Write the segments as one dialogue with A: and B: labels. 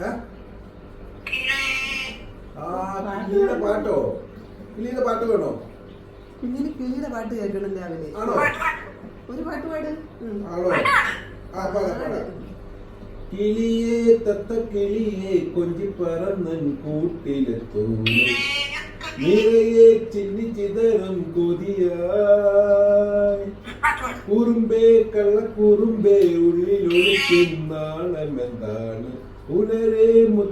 A: കിളിയുടെ പാട്ടോ? കിളിയുടെ പാട്ട് വേണോ?
B: കുഞ്ഞിന് കിളിയുടെ പാട്ട് കേൾക്കണം രാവിലെ.
A: ആണോ?
B: ഒരു പാട്ട് പാട്.
A: ആണോ? കിളിയേ തത്ത കിളിയേ കൊഞ്ചി പറന്നൻ കൂട്ടിലെത്തൂലേ, നിറയെ ചിന്നി ചിതറും കൊതിയായി, കുറുമ്പേ കള്ളക്കുറുമ്പേ ഉള്ളിലൊളിക്കും നാണമെന്താണ്, ഉണരെ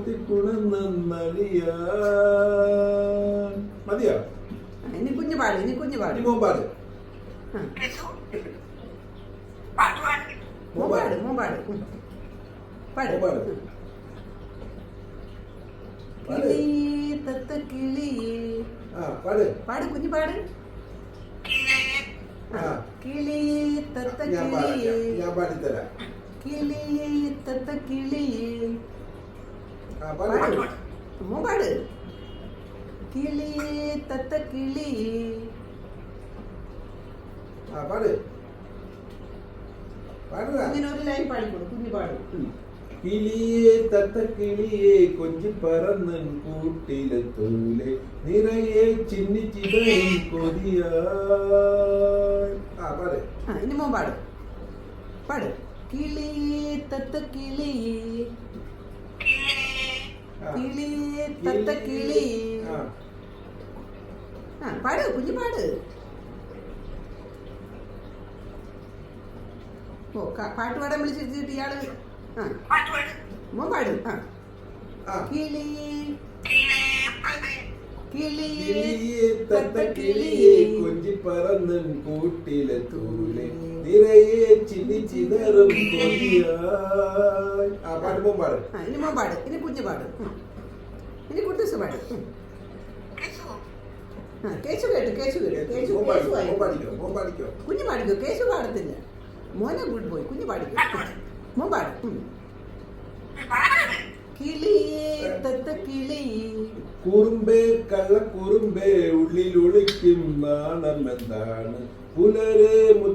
A: മുത്തിക്കുണന്നറിയാൻ. മതിയോ?
B: ഇനി കുഞ്ഞു പാട്. ഇനി കുഞ്ഞു പാട്.
A: മോമ്പാട്
B: മോമ്പാട് മോമ്പാട് പാട്. കിളിയേ തത്ത കിളിയേ പാട് കുഞ്ഞു പാട്. കിളിയേ തത്ത കിളിയേ,
A: ഞാൻ പാടിത്തരാം.
B: കിളിയേ തത്ത കിളിയേ പാട്. മോമ്പാട്. കിളിയേ തത്ത കിളിയേ
A: പാട്.
B: ഇങ്ങനെ ഒരു ലൈൻ പാടിക്കൊടു. കുഞ്ഞു പാടും.
A: കിളിയേ തത്ത കിളിയേ കൊഞ്ചി പറന്നൻ കൂട്ടിലെത്തൂലേ, നിറയെ ചിന്നി ചിതറും കൊതിയായി.
B: ഇനി മോൻ പാട്. പാട്. കിളിയേ തത്ത കിളിയേ, കിളിയേ തത്ത കിളിയേ പാട്. കുഞ്ഞു പാട്. ഓ പാട്ട് പാടാൻ വിളിച്ചിട്ട് ഇയാള് മോൻ പാട്. കിളിയേ
A: കിളിയേ തത്ത കിളിയേ കൊഞ്ചി പറന്നൻ കൂട്ടിലെത്തൂലേ, നിറയെ ചിന്നി ചിതറും കൊതിയായി. പാട്ട് മോൻ പാട്.
B: ഇനി മോൻ പാട്. ഇനി കുഞ്ഞു പാട്. ഇനി കുട്ടൂസ് പാട്. കേശു കേട്ടു. കേശു കേട്ടു. കേശു
A: പാടിക്കോ.
B: കുഞ്ഞു പാടിക്കോ. കേശു പാടത്തില്ല. മോനെ ഗുഡ് ബോയ്. കുഞ്ഞു പാടിക്കോ. മോൻ പാട്. കിളിയേ തത്ത കിളിയേ,
A: കുറുമ്പേ കള്ളക്കുറുമ്പേ ഉള്ളിലൊളിക്കും നാണമെന്താണ്, പുലരെ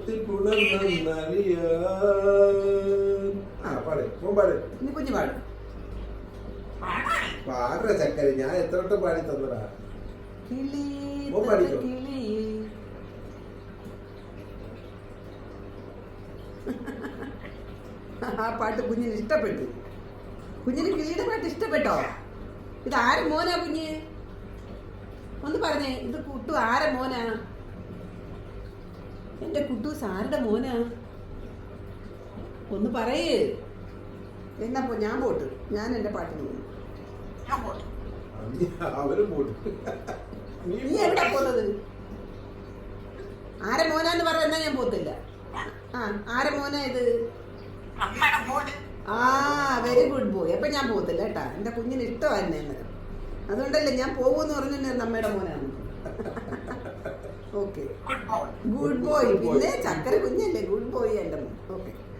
A: മുത്തിക്കുണർന്നറിയാൻ.
B: ഇനി കുഞ്ഞു പാട്.
A: പാട ചക്കര, ഞാൻ എത്ര വട്ടം പാടി തന്നടാ.
B: കിളിയേ
A: മോൻ പാടിക്കോ.
B: കിളിയേ ആ പാട്ട് കുഞ്ഞിന് ഇഷ്ടപ്പെട്ടു. കുഞ്ഞിന് കിളിയുടെ പാട്ട് ഇഷ്ടപ്പെട്ടോ? ഇത് ആരെ മോനാ കുഞ്ഞ്? ഒന്ന് പറഞ്ഞേ. ഇത് കുട്ടു ആരെ മോനാ? എന്റെ കുട്ടൂസ് ആരുടെ മോനാ? ഒന്ന് പറയേ. എന്നാ ഞാൻ പോട്ട്. ഞാൻ എന്റെ പാട്ടിന് പോകും. നീ എവിടാ പോകുന്നത്? ആരെ മോനാന്ന് പറഞ്ഞ എന്നാ ഞാൻ പോത്തില്ല. ആരെ മോനാ ഇത്? Very good boy. അപ്പൊ ഞാൻ പോകത്തില്ല കേട്ടാ. എന്റെ കുഞ്ഞിന് ഇഷ്ടമായിരുന്നു എന്നെ. അതുകൊണ്ടല്ലേ ഞാൻ പോകുമെന്ന് പറഞ്ഞു നമ്മയുടെ മോനാണ്. Okay, good boy. പിന്നെ ചക്കര കുഞ്ഞല്ലേ, ഗുഡ് ബോയ് എന്റെ മോൻ. ഓക്കെ.